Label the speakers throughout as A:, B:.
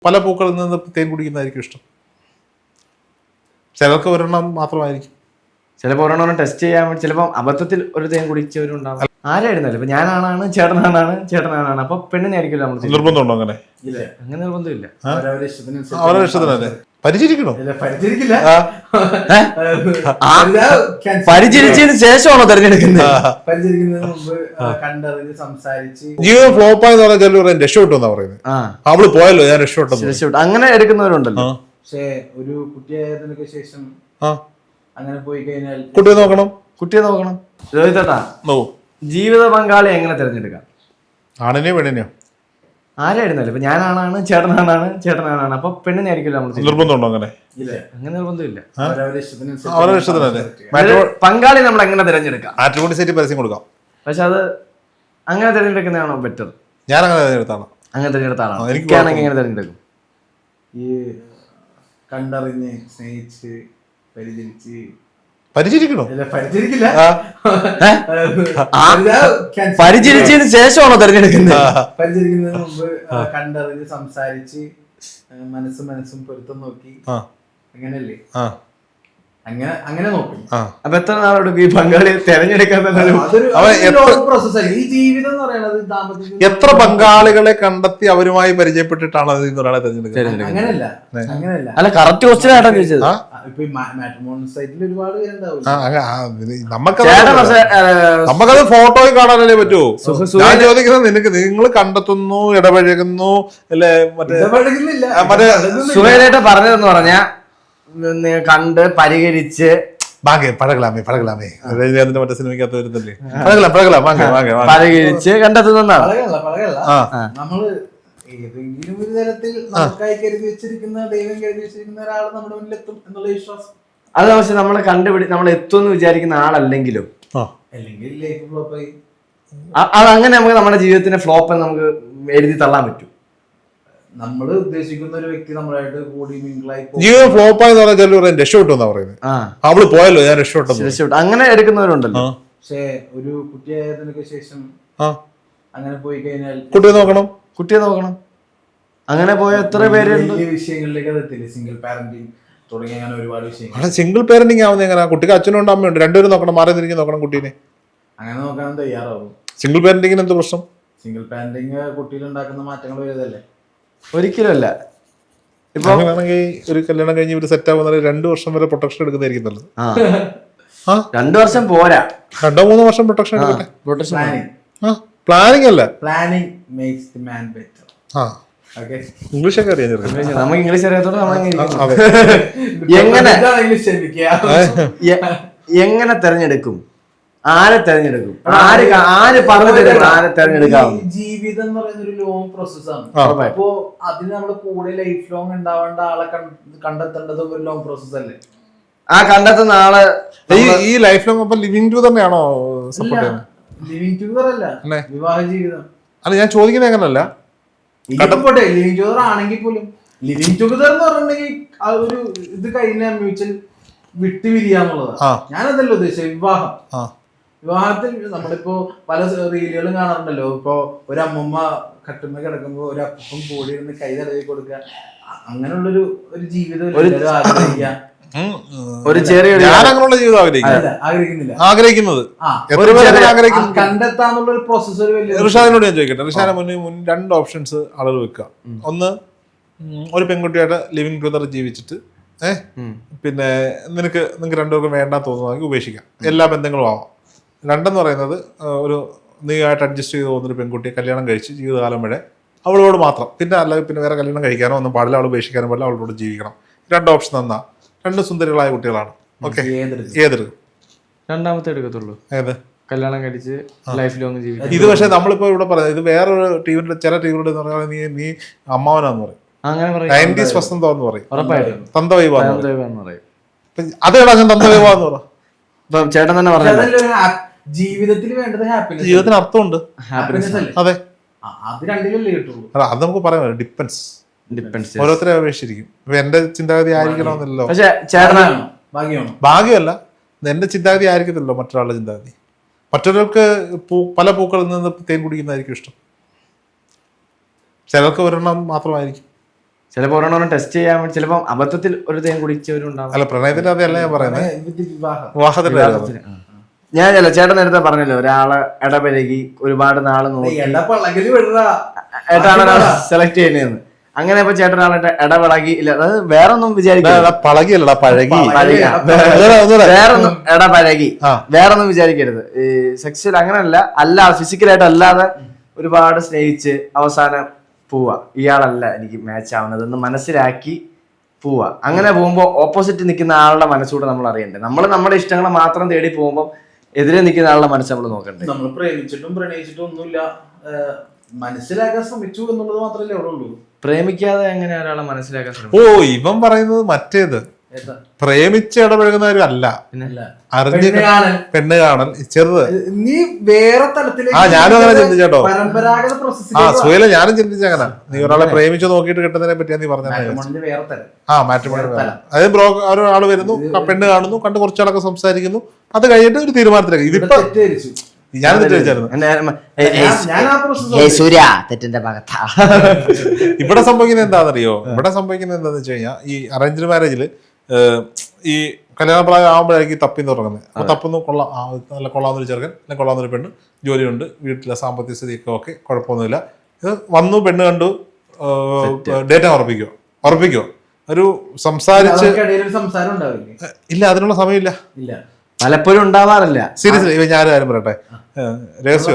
A: പല പൂക്കളിൽ നിന്ന് തേൻ കുടിക്കുന്നതായിരിക്കും ഇഷ്ടം. ചിലർക്ക് ഒരെണ്ണം മാത്രമായിരിക്കും.
B: ചിലപ്പോൾ ഒരെണ്ണം ടെസ്റ്റ് ചെയ്യാൻ വേണ്ടി ചിലപ്പോൾ അബദ്ധത്തിൽ ഒരു തേൻ കുടിച്ചവരുണ്ടാവും. ആരായിരുന്നല്ലോ ഇപ്പൊ ഞാനാണാണ് ചേട്ടനാണ് അപ്പൊ പെണ്ണിനായിരിക്കുമല്ലോ നമ്മൾ.
A: നിർബന്ധമുണ്ടോ അങ്ങനെ?
B: അങ്ങനെ നിർബന്ധമില്ല.
A: അവരുടെ ഇഷ്ടത്തിനല്ലേ. പരിചരിക്കണോ?
B: പരിചരിച്ചതിന് ശേഷമാണോ തെരഞ്ഞെടുക്കുന്നത്?
A: ജീവിതം ഫ്ലോപ്പായെന്ന് പറഞ്ഞാൽ ചിലർ രക്ഷപ്പെട്ടു എന്നാ പറയുന്നത്. അവള് പോയല്ലോ ഞാൻ രക്ഷപ്പെട്ടു
B: അങ്ങനെ എടുക്കുന്നവരുണ്ടല്ലോ.
C: പക്ഷേ ഒരു കുട്ടിയായതിനൊക്കെ ശേഷം അങ്ങനെ പോയി കഴിഞ്ഞാൽ
B: കുട്ടിയെ നോക്കണം. രോഹിതേട്ടാ, ജീവിത പങ്കാളി എങ്ങനെ തിരഞ്ഞെടുക്കാം?
A: ആണിനെയോ പെണ്ണിനെയോ?
B: ആരായിരുന്നല്ലോ ഇപ്പൊ ഞാനാണാണ് ചേട്ടനാണ് അപ്പൊ പെണ്ണിനായിരിക്കുമല്ലോ നമ്മൾ.
A: നിർബന്ധമുണ്ടോ അങ്ങനെ?
B: അങ്ങനെ നിർബന്ധമില്ല.
A: അവരുടെ ഇഷ്ടത്തിനല്ലേ.
B: പങ്കാളി നമ്മൾ എങ്ങനെ തിരഞ്ഞെടുക്കാം?
A: മാട്രിമോണി സൈറ്റിൽ പരസ്യം കൊടുക്കാം.
B: പക്ഷെ അത് അങ്ങനെ തിരഞ്ഞെടുക്കുന്നതാണോ ബെറ്റർ?
A: ഞാൻ അങ്ങനെ തിരഞ്ഞെടുത്താണ്.
B: അങ്ങനെ തിരഞ്ഞെടുത്ത ആളാണ്. എനിക്കാണെങ്കിൽ എങ്ങനെ തിരഞ്ഞെടുക്കും?
C: ഈ കണ്ടറിഞ്ഞ് സ്നേഹിച്ച്
A: പരിചരിക്കണോ?
B: പരിചരിച്ചതിന് ശേഷമാണോ തെരഞ്ഞെടുക്കുന്നത്?
C: പരിചരിക്കുന്നതിന് മുമ്പ് കണ്ടറിഞ്ഞ് സംസാരിച്ച് മനസ്സും പൊരുത്തം നോക്കി അങ്ങനല്ലേ? അങ്ങനെ നോക്കും.
B: അപ്പൊ എത്ര നാളെടുക്കും ഈ പങ്കാളിയെ തെരഞ്ഞെടുക്കാൻ?
C: ഈ ജീവിതം എന്ന് പറയുന്നത്
A: എത്ര പങ്കാളികളെ കണ്ടെത്തി അവരുമായി പരിചയപ്പെട്ടിട്ടാണ് ഒരാളെ തെരഞ്ഞെടുക്കുന്നത്?
C: അങ്ങനെയല്ല.
B: അല്ല, കറക്റ്റ് ക്വസ്റ്റ്യൻ ആയിട്ടാണ് ചോദിച്ചത്.
C: ഇപ്പൊ മാട്രിമോണി സൈറ്റിൽ ഒരുപാട് പേരുണ്ടാവും.
A: നമുക്കത് ഫോട്ടോയിൽ കാണാനല്ലേ പറ്റൂ. ഞാൻ ചോദിക്കുന്നത് നിങ്ങൾ കണ്ടെത്തുന്നു, ഇടപഴകുന്നു അല്ലേ? മറ്റേ
B: സുഹേലേട്ട പറഞ്ഞതെന്ന് പറഞ്ഞാ കണ്ട് പരിഹരിച്ച്
A: പഴകലാമേ മറ്റേ സിനിമയ്ക്കകത്ത് വരുന്നില്ലേ, പരിഹരിച്ച്
B: കണ്ടെത്തുന്നതാണ്.
C: നമ്മള് ഏതെങ്കിലും ഒരു തരത്തിൽ നമുക്കായി കരുതി വെച്ചിരിക്കുന്ന ദൈവം കരുതി വെച്ചിരിക്കുന്ന ഒരാൾ നമ്മുടെ മുന്നിലെത്തും എന്നുള്ള വിശ്വാസം.
B: അത് പക്ഷെ നമ്മളെ നമ്മൾ എത്തുമെന്ന് വിചാരിക്കുന്ന ആളല്ലെങ്കിലും
C: അല്ലെങ്കിൽ ലൈഫ് ഫ്ലോപ്പ് ആയി
B: അതങ്ങനെ നമുക്ക് നമ്മുടെ ജീവിതത്തിന്റെ ഫ്ലോപ്പ് നമുക്ക് എഴുതി തള്ളാൻ പറ്റും.
C: നമ്മൾ ഉദ്ദേശിക്കുന്ന ഒരു വ്യക്തി നമ്മളായിട്ട് കൂടി മിങ്കിളായി
A: ജീവിതം ഫ്ലോപ്പായെന്ന് പറഞ്ഞാൽ ചിലർ രക്ഷപ്പെട്ടു എന്നാ പറയുന്നത്. അവള് പോയല്ലോ ഞാൻ രക്ഷപ്പെട്ടു
B: അങ്ങനെ എടുക്കുന്നവരുണ്ടല്ലോ.
C: പക്ഷേ ഒരു കുട്ടിയായതിനൊക്കെ ശേഷം അങ്ങനെ പോയി കഴിഞ്ഞാൽ
B: കുട്ടിയെ നോക്കണം. അങ്ങനെ പോയ എത്ര പേര്
C: വിഷയങ്ങളിലേക്ക് അതെത്തില്ലേ? സിംഗിൾ പാരന്റിങ് തുടങ്ങിയ അങ്ങനെ ഒരുപാട് വിഷയങ്ങൾ.
A: സിംഗിൾ പാരന്റിങ് ആവുന്ന എങ്ങനെ? കുട്ടിക്ക് അച്ഛനുണ്ട് അമ്മയുണ്ട്, രണ്ടുപേരും നോക്കണം, മാറി തിരിഞ്ഞ് നോക്കണം കുട്ടീനെ.
C: അങ്ങനെ നോക്കാൻ തയ്യാറാവും.
A: സിംഗിൾ പാരന്റിങ്ങിന് എന്ത് പ്രശ്നം?
C: സിംഗിൾ പാരന്റിങ് കുട്ടിയിൽ ഉണ്ടാക്കുന്ന മാറ്റങ്ങൾ വരുന്നതല്ലേ?
B: ഒരിക്കലും അല്ല.
A: ഇപ്പൊ അങ്ങനെയാണെങ്കിൽ ഒരു കല്യാണം കഴിഞ്ഞ് ഒരു സെറ്റ് ആവുന്ന 2 വർഷം വരെ പ്രൊട്ടക്ഷൻ എടുക്കുന്നതായിരിക്കും നല്ലത്.
B: 2 വർഷം പോരാ,
A: 2-3 വർഷം പ്രൊട്ടക്ഷൻ എടുക്കട്ടെ. പ്ലാനിങ് അല്ല,
C: planning makes the man better.
A: ഇംഗ്ലീഷൊക്കെ അറിയാം.
B: നമുക്ക് ഇംഗ്ലീഷ് അറിയാത്തോണ്ട് എങ്ങനെ തെരഞ്ഞെടുക്കും? ആരെ തെരഞ്ഞെടുക്കും? ആര് പറഞ്ഞു തരും ആരെ തെരഞ്ഞെടുക്കാം?
C: ജീവിതം എന്ന് പറയുന്ന ഒരു ലോങ് പ്രോസസ്സാണ്. അപ്പോ അതിന് നമ്മുടെ കൂടെ ലൈഫ് ലോങ് ഉണ്ടാവേണ്ട ആളെ കണ്ടെത്തേണ്ടത് ഒരു ലോങ് പ്രോസസ് അല്ലേ?
B: ആ കണ്ടെത്തുന്ന ആള്
A: ഈ ലൈഫ് ലോങ് ലിവിംഗ് ടു തന്നെയാണോ സപ്പോർട്ട് ചെയ്യുന്നത്?
C: ലിവിംഗ് ടുഗദർ അല്ല, വിവാഹ ജീവിതം
A: അല്ല. ഞാൻ ചോദിക്കുന്നത് അങ്ങനല്ല.
C: പോട്ടെ, ലിവിംഗ് ടുഗദർ ആണെങ്കിൽ പോലും ലിവിംഗ് ടുഗദർ എന്ന് പറഞ്ഞിട്ടുണ്ടെങ്കിൽ ആ ഒരു ഇത് കഴിഞ്ഞ മ്യൂച്വൽ വിട്ടുപിരിയാന്നുള്ളതാണ്. ഞാനതല്ല ഉദ്ദേശിച്ചത്. വിവാഹത്തിൽ നമ്മളിപ്പോ പല റീലുകളും കാണാറുണ്ടല്ലോ. ഇപ്പൊ ഒരു അമ്മൂമ്മ കട്ടുമ്മ കിടക്കുമ്പോ ഒരു അപ്പം കൂടി ഇരുന്ന് കൈ തടവി കൊടുക്കുക, അങ്ങനെയുള്ളൊരു ജീവിതം
B: ഒരു ചെറിയ
A: ജീവിതം ആഗ്രഹിക്കുന്നത്
C: കണ്ടെത്താന്നുള്ള ഒരു പ്രോസസ്.
A: ഋഷാദിനോട് ഞാൻ ചോദിക്കട്ടെ, ഋഷാദിന് മുന്നിൽ 2 ഓപ്ഷൻസ് ആളുകൾ വെക്കുക. ഒന്ന്, ഒരു പെൺകുട്ടിയായിട്ട് ലിവിംഗ് ടുഗദർ ജീവിച്ചിട്ട് പിന്നെ നിങ്ങൾക്ക് 2 പേർക്കും വേണ്ടാ തോന്നുവാണെങ്കിൽ ഉപേക്ഷിക്കാം, എല്ലാ ബന്ധങ്ങളും ആവാം. 2 എന്ന് പറയുന്നത് ഒരു നീയായിട്ട് അഡ്ജസ്റ്റ് ചെയ്ത് പോകുന്നൊരു പെൺകുട്ടിയെ കല്യാണം കഴിച്ച് ജീവിതകാലം വരെ അവളോട് മാത്രം, പിന്നെ അല്ലെങ്കിൽ പിന്നെ വേറെ കല്യാണം കഴിക്കാനോ ഒന്നും പാടില്ല, അവൾ ഉപേക്ഷിക്കാനോ പാടില്ല, അവളോട് ജീവിക്കണം. 2 ഓപ്ഷൻ തന്നാ 2 സുന്ദരികളായ കുട്ടികളാണ്. ഓക്കെ, ഏതെടുക്കും?
B: രണ്ടാമത്തെ എടുക്കത്തുള്ളൂ.
A: ഏത്?
B: കല്യാണം കഴിച്ച് ലൈഫ് ലോങ് ജീവിക്കും.
A: ഇത് പക്ഷെ നമ്മളിപ്പോ ഇവിടെ പറയുന്നത് ഇത് വേറൊരു ടീമിന്റെ ചില ടീമിലുണ്ട് എന്ന് പറഞ്ഞാൽ നീ അമ്മാവനാന്ന് പറയും, 90s വസന്തമെന്ന് പറയും, തന്തവൈവാന്ന് പറയും. അതേടാ ഞാൻ തന്തവൈവാന്ന് പറ.
B: ചേട്ടൻ തന്നെ പറഞ്ഞു
C: ജീവിതത്തിൽ വേണ്ടത് ഹാപ്പിനെസ്.
A: ജീവിതത്തിന് അർത്ഥമുണ്ട്. അതെ,
C: അത് രണ്ടിലല്ലേ കിട്ടുള്ളൂ.
A: അത് നമുക്ക് പറയാം, ഡിപ്പെൻസ്. ഓരോരുത്തരെ അപേക്ഷിച്ചിരിക്കും. ഇപ്പൊ എന്റെ ചിന്താഗതി ആയിരിക്കണമെന്നല്ലോ.
B: പക്ഷെ ചേട്ടനാ
A: ഭാഗ്യമല്ല, എന്റെ ചിന്താഗതി ആയിരിക്കത്തില്ലല്ലോ മറ്റൊരാളുടെ ചിന്താഗതി. മറ്റൊരാൾക്ക് പല പൂക്കളിൽ നിന്ന് തേൻ കുടിക്കുന്നതായിരിക്കും ഇഷ്ടം. ചിലർക്ക് ഒരെണ്ണം മാത്രമായിരിക്കും.
B: ചിലപ്പോൾ ഒരെണ്ണം ടെസ്റ്റ് ചെയ്യാൻ വേണ്ടി ചിലപ്പോൾ അബദ്ധത്തിൽ ഒരു തേൻ കുടിച്ചവരുണ്ടാവും.
A: അല്ല, പ്രണയത്തിന്റെ അതല്ല ഞാൻ പറയുന്നത്,
C: വിവാഹം
A: വിവാഹത്തിന്റെ കാര്യം.
B: ഞാൻ ചേട്ടൻ നേരത്തെ പറഞ്ഞല്ലോ, ഒരാളെ ഇടപഴകി ഒരുപാട് നാള് നോക്കി ഏട്ടാണ് സെലക്ട് ചെയ്യുന്നതെന്ന്. അങ്ങനെ ഇപ്പൊ ചേട്ടൻ ഒരാളെ ഇടപഴകി ഇല്ല, അത് വേറൊന്നും വിചാരിക്കില്ല,
A: പഴകിയല്ലടാ, പഴകി.
B: വേറൊന്നും ഇടപഴകി വേറൊന്നും വിചാരിക്കരുത്. ഈ സെക്സ്വൽ അങ്ങനെയല്ല, അല്ലാതെ ഫിസിക്കലായിട്ട് അല്ലാതെ ഒരുപാട് സ്നേഹിച്ച് അവസാനം പോവാ, ഇയാളല്ല എനിക്ക് മാച്ച് ആവുന്നത് എന്ന് മനസ്സിലാക്കി പോവാ. അങ്ങനെ പോകുമ്പോൾ ഓപ്പോസിറ്റ് നിൽക്കുന്ന ആളുടെ മനസ്സുകൂടെ നമ്മൾ അറിയണ്ടേ. നമ്മൾ നമ്മുടെ ഇഷ്ടങ്ങളെ മാത്രം തേടി പോകുമ്പോൾ എതിരെ നിൽക്കുന്ന ആളുടെ മനസ്സ് നമ്മൾ നോക്കണ്ടേ.
C: നമ്മൾ പ്രേമിച്ചിട്ടും പ്രണയിച്ചിട്ടും ഒന്നുമില്ല, മനസ്സിലാക്കാൻ ശ്രമിച്ചു എന്നുള്ളത് മാത്രമല്ലേ അവിടെ ഉള്ളൂ.
B: പ്രേമിക്കാതെ എങ്ങനെ ഒരാളെ മനസ്സിലാക്കാൻ ശ്രമിക്കും?
A: ഓ, ഇവൻ പറയുന്നത് മറ്റേത്, പ്രേമിച്ച് ഇടപഴകുന്നവരും അല്ല, അറിഞ്ഞ് പെണ്ണ് കാണൽ ചെറുത്.
C: നീ വേറെ തലത്തിലേക്ക്
A: ഞാനും അങ്ങനെ ചിന്തിച്ചോ,
C: പരമ്പരാഗത
A: സുഹേല ഞാനും ചിന്തിച്ച അങ്ങനെ. നീ ഒരാളെ പ്രേമിച്ച് നോക്കിയിട്ട് കിട്ടുന്നതിനെ പറ്റിയാ നീ പറഞ്ഞത്.
C: വേറെ തരം.
A: മാട്രിമോണി അതായത് ഒരാൾ വരുന്നു, പെണ്ണ് കാണുന്നു, കണ്ട് കുറച്ചാളൊക്കെ സംസാരിക്കുന്നു, അത് കഴിഞ്ഞിട്ട് ഒരു തീരുമാനത്തിലേക്ക്. ഇതിപ്പോ ഞാൻ ഇവിടെ സംഭവിക്കുന്നത് എന്താണെന്നറിയോ? ഇവിടെ സംഭവിക്കുന്നത് എന്താന്ന് വെച്ച് കഴിഞ്ഞാൽ, ഈ അറേഞ്ച്ഡ് മാരേജില് ഈ കല്യാണപ്രായം ആകുമ്പോഴായിരിക്കും തപ്പിന്ന് തുടങ്ങുന്നത്. അപ്പൊ തപ്പുന്നു, നല്ല കൊള്ളാവുന്നൊരു ചെറുക്കൻ, അല്ലെങ്കിൽ കൊള്ളാവുന്നൊരു പെണ്ണ്, ജോലിയുണ്ട്, വീട്ടിലെ സാമ്പത്തിക സ്ഥിതിയൊക്കെ ഓക്കെ, കുഴപ്പമൊന്നുമില്ല. ഇത് വന്നു, പെണ്ണ് കണ്ടു, ഡേറ്റ ഉറപ്പിക്കോ ഒരു സംസാരിച്ച് ഇല്ല, അതിനുള്ള സമയമില്ല,
B: പലപ്പോഴും ഉണ്ടാവാറില്ല.
A: സീരിയസ്ലി. ഇവ ഞാൻ കാര്യം പറയട്ടെ, രഹസ്യം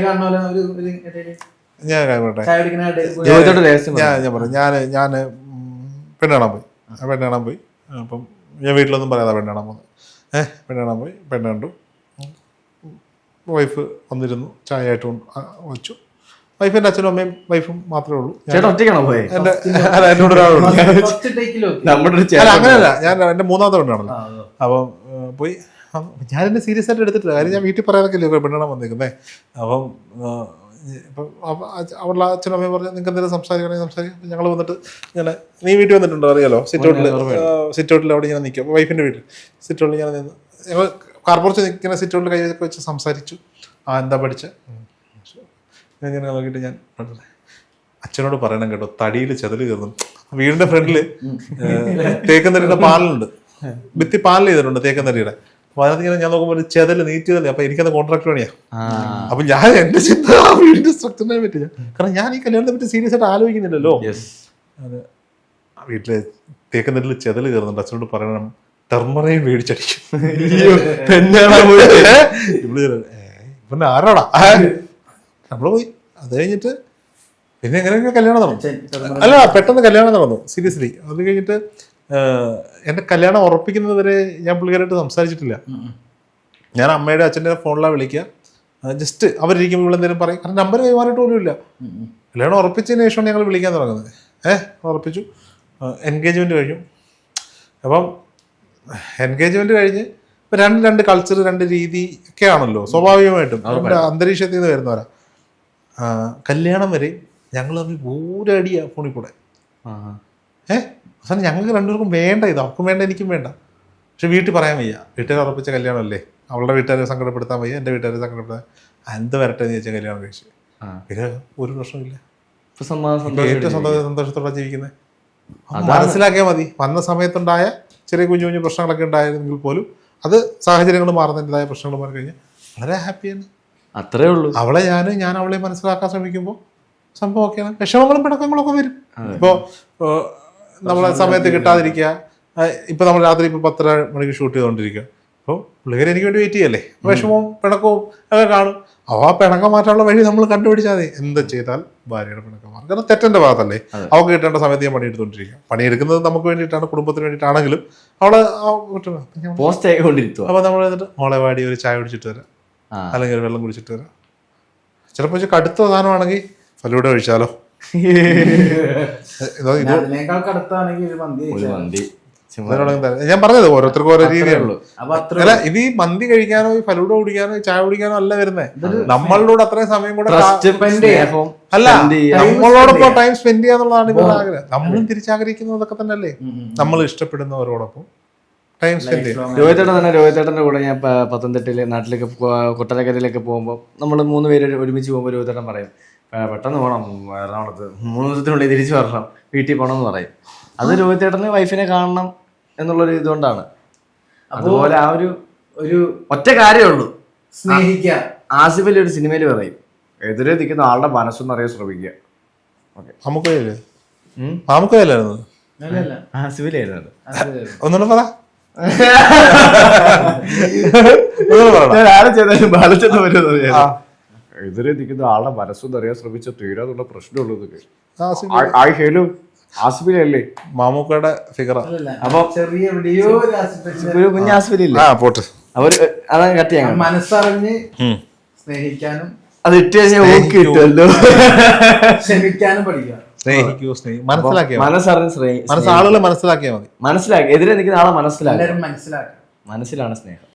A: ഞാൻ കാര്യം പറയട്ടെ, ഞാൻ പറഞ്ഞു, ഞാൻ പെണ്ണ് കാണാൻ പോയി. അപ്പം ഞാൻ വീട്ടിലൊന്നും പറയാതെ പെണ്ണ് കാണാൻ പോകുന്നത്. പെണ്ണ് കാണാൻ പോയി, പെണ്ണ് കണ്ടു, വൈഫ് വന്നിരുന്നു, ചായ ആയിട്ട് വെച്ചു. വൈഫിന്റെ അച്ഛനും അമ്മയും വൈഫും മാത്രമേ ഉള്ളൂ. എന്നോട് ഒരാളുണ്ട്. അങ്ങനെയല്ല, ഞാൻ എന്റെ മൂന്നാമത്തെ പെണ്ണാണല്ലോ. അപ്പം പോയി, ഞാൻ എന്നെ സീരിയസ് ആയിട്ട് എടുത്തിട്ടില്ല, കാര്യം ഞാൻ വീട്ടിൽ പറയാനൊക്കെ ഇല്ലേ പെണ്ണെണ്ണം വന്നേക്കുന്നേ. അപ്പം ഇപ്പം അവളുടെ അച്ഛനും അമ്മയും പറഞ്ഞു, നിങ്ങൾക്ക് എന്തെങ്കിലും സംസാരിക്കും. ഞങ്ങൾ വന്നിട്ട് ഇങ്ങനെ, നീ വീട്ടിൽ വന്നിട്ടുണ്ടോ അറിയാലോ, സിറ്റൗട്ടിൽ അവിടെ ഇങ്ങനെ നിൽക്കും, വൈഫിന്റെ വീട്ടിൽ സിറ്റൗട്ടിൽ ഇങ്ങനെ നിന്ന് ഞങ്ങൾ കാർപ്പുറച്ച് നിൽക്കുന്ന സിറ്റൗട്ടിൽ കൈയൊക്കെ വെച്ച് സംസാരിച്ചു. എന്താ പഠിച്ച ഞാൻ ഇങ്ങനെ നോക്കിയിട്ട് ഞാൻ അച്ഛനോട് പറയണം കേട്ടോ, തടിയിൽ ചെതല് കയറുന്നു. വീടിന്റെ ഫ്രണ്ടില് തേക്കന്തരിയുടെ പാലുണ്ട്, ഭിത്തി പാനൽ ചെയ്തിട്ടുണ്ട് തേക്കന്തരിയുടെ. അപ്പൊ അതിനകത്ത് ഞാൻ നോക്കുമ്പോൾ ഒരു ചെതല് നീറ്റിയതല്ലേ. അപ്പൊ എനിക്കത് കോൺട്രാക്ട് പണിയാ. അപ്പൊ ഞാൻ എന്റെ ചിന്ത ആ വീടിന്റെ സ്ട്രക്ചറിനെ പറ്റില്ല, കാരണം ഞാൻ ഈ കല്യാണത്തെ പറ്റി സീരിയസ് ആയിട്ട് ആലോചിക്കുന്നില്ലല്ലോ. അത് വീട്ടില് തേക്കന്തരിൽ ചെതല് കയറുന്നുണ്ട്, അച്ഛനോട് പറയണം ടെർമറയും മേടിച്ചടിക്കും. ഇവന്റെ ആരാടാ നമ്മള് പോയി. അത് കഴിഞ്ഞിട്ട് പിന്നെ എങ്ങനെയൊക്കെ കല്യാണം നടന്നു. അല്ല, പെട്ടെന്ന് കല്യാണം നടന്നു, സീരിയസ്ലി. അത് കഴിഞ്ഞിട്ട് എന്റെ കല്യാണം ഉറപ്പിക്കുന്നത് വരെ ഞാൻ പുള്ളിക്കാരായിട്ട് സംസാരിച്ചിട്ടില്ല. ഞാൻ അമ്മയുടെ അച്ഛൻ്റെ ഫോണിലാണ് വിളിക്കുക, ജസ്റ്റ് അവരിയ്ക്കുമ്പോൾ എന്തെങ്കിലും പറയും, കാരണം നമ്പർ കൈമാറിയിട്ട് പോലും ഇല്ല. കല്യാണം ഉറപ്പിച്ചതിന് ശേഷമാണ് ഞങ്ങൾ വിളിക്കാൻ തുടങ്ങുന്നത്. ഉറപ്പിച്ചു, എൻഗേജ്മെന്റ് കഴിഞ്ഞു. അപ്പം എൻഗേജ്മെന്റ് കഴിഞ്ഞ് ഇപ്പം രണ്ട് കൾച്ചർ, രണ്ട് രീതി ഒക്കെ ആണല്ലോ സ്വാഭാവികമായിട്ടും, നമ്മുടെ അന്തരീക്ഷത്തിൽ നിന്ന് വരുന്നവരാ. കല്യാണം വരെ ഞങ്ങൾ തമ്മിൽ ഊരടിയാ ഫോണിൽ കൂടെ. അവസാനം ഞങ്ങൾക്ക് രണ്ടുപേർക്കും വേണ്ട, ഇത് അവർക്കും വേണ്ട, എനിക്കും വേണ്ട. പക്ഷെ വീട്ടിൽ പറയാൻ വയ്യ, വീട്ടുകാർ ഉറപ്പിച്ച കല്യാണമല്ലേ, അവളുടെ വീട്ടുകാരെ സങ്കടപ്പെടുത്താൻ വയ്യ, എൻ്റെ വീട്ടുകാരെ സങ്കടപ്പെടുത്താൻ. എന്ത് വരട്ടെ എന്ന് ചോദിച്ചാൽ കല്യാണം കഴിച്ചു. പിന്നെ ഒരു പ്രശ്നമില്ല, ഏറ്റവും സന്തോഷത്തോടെ ജീവിക്കുന്നത്. മനസ്സിലാക്കിയാൽ മതി. വന്ന സമയത്തുണ്ടായ ചെറിയ കുഞ്ഞു കുഞ്ഞു പ്രശ്നങ്ങളൊക്കെ ഉണ്ടായിരുന്നെങ്കിൽ പോലും അത് സാഹചര്യങ്ങൾ മാറുന്നതിൻ്റെതായ പ്രശ്നങ്ങൾ മാറി കഴിഞ്ഞാൽ വളരെ ഹാപ്പിയാണ്.
B: അത്രേ ഉള്ളൂ.
A: അവളെ ഞാൻ അവളെ മനസ്സിലാക്കാൻ ശ്രമിക്കുമ്പോൾ സംഭവം ഒക്കെയാണ്. വിഷമങ്ങളും പിണക്കങ്ങളും ഒക്കെ വരും. ഇപ്പോൾ നമ്മളെ സമയത്ത് കിട്ടാതിരിക്കുക, ഇപ്പൊ നമ്മൾ രാത്രി ഇപ്പൊ 10:30 മണിക്ക് ഷൂട്ട് ചെയ്തുകൊണ്ടിരിക്കുക. അപ്പോൾ പുള്ളിക്കാരി എനിക്ക് വേണ്ടി വെയിറ്റ് ചെയ്യല്ലേ, വിഷമവും പിണക്കവും ഒക്കെ കാണും. ആ പിണക്കം മാറ്റാനുള്ള വഴി നമ്മൾ കണ്ടുപിടിച്ചാൽ മതി. എന്ത് ചെയ്താൽ ഭാര്യയുടെ പിണക്കം മാറും, കാരണം തെറ്റെന്റെ ഭാഗത്തല്ലേ. അവൾക്ക് കിട്ടേണ്ട സമയത്ത് ഞാൻ പണിയെടുത്തോണ്ടിരിക്കുക. പണിയെടുക്കുന്നത് നമുക്ക് വേണ്ടിയിട്ടാണ്, കുടുംബത്തിന് വേണ്ടിയിട്ടാണെങ്കിലും അവളെ
B: പോസ്റ്റ് ആയിക്കൊണ്ടിരിക്കും.
A: അപ്പൊ നമ്മൾ എന്നിട്ട് മോളെ വാടി ഒരു ചായ കുടിച്ചിട്ട് വരാം, അല്ലെങ്കിൽ ഒരു വെള്ളം കുടിച്ചിട്ട് വരാം. ചിലപ്പോൾ കടുത്ത സാധനമാണെങ്കിൽ ഫലൂഡ കഴിച്ചാലോ, ഞാൻ പറഞ്ഞത് ഓരോരുത്തർക്കും ഓരോ രീതിയുള്ളൂ. അല്ല, ഇത് ഈ മന്തി കഴിക്കാനോ ഈ ഫലൂഡ കുടിക്കാനോ ചായ കുടിക്കാനോ അല്ല വരുന്നത്. നമ്മളോട് അത്രയും സമയം കൂടെ അല്ല, നമ്മളോടൊപ്പം ടൈം സ്പെൻഡ് ചെയ്യാന്നുള്ളതാണ് ഇവരുടെ ആഗ്രഹം. നമ്മളും തിരിച്ചാഗ്രഹിക്കുന്നതൊക്കെ തന്നെ അല്ലേ, നമ്മൾ ഇഷ്ടപ്പെടുന്നവരോടൊപ്പം ടൈം സ്പെൻഡ് ചെയ്യും.
B: രോഹിതേട്ടന്റെ കൂടെ ഞാൻ പത്തനംതിട്ടയിലെ നാട്ടിലേക്ക് കൊട്ടാരക്കരയിലേക്ക് പോകുമ്പോൾ നമ്മൾ 3 പേര് ഒരുമിച്ച് പോകുമ്പോൾ രോഹിതേട്ടൻ പറയും, പെട്ടെന്ന് പോകണം എറണാകുളത്ത് 3 ദിവസത്തിനുള്ളിൽ തിരിച്ചു വരണം, വീട്ടിൽ പോകണം എന്ന് പറയും. അത് രോഹിത് ചേട്ടന് വൈഫിനെ കാണണം എന്നുള്ളൊരു ഇതുകൊണ്ടാണ്. അതുപോലെ ആ ഒരു ഒറ്റ കാര്യമേ ഉള്ളൂ,
C: സ്നേഹിക്കുക.
B: ആസിഫലി ഒരു സിനിമയിൽ പറയും, എതിരെ നിൽക്കുന്ന ആളുടെ മനസ്സൊന്നറിയാൻ ശ്രമിക്കുക.
A: മാമുക്കോയല്ലായിരുന്നു
B: ആസിഫിലായിരുന്നു അത്.
A: ഒന്നുകൂടെ പറ.
B: എതിരെ നിൽക്കുന്ന ആളുടെ മനസ്സൊന്നറിയാൻ ശ്രമിച്ച തീരാന്നുള്ള പ്രശ്നമുള്ളൂ. ആസിഫിലല്ലേ
A: മാമുക്കയുടെ ഫിഗറാ.
B: അപ്പൊ
C: ചെറിയ എവിടെയോ
B: ഒരു കുഞ്ഞ് ആസിഫിലില്ലേ, അവര് അതങ്ങ് കട്ട് ചെയ്യാൻ
C: മനസ്സറിഞ്ഞ് സ്നേഹിക്കാനും
B: അത് ഇട്ട് കഴിഞ്ഞാൽ ഓക്കെ കിട്ടുമല്ലോ.
C: ക്ഷമിക്കാനും പഠിക്കുക.
A: മനസ്സാളുകളെ മനസ്സിലാക്കിയാൽ മതി.
B: മനസ്സിലാക്കി എതിരെ നിൽക്കുന്ന ആളെ മനസ്സിലാക്കി,
C: എല്ലാവരും മനസ്സിലാക്കുക.
B: മനസ്സിലാണ് സ്നേഹം.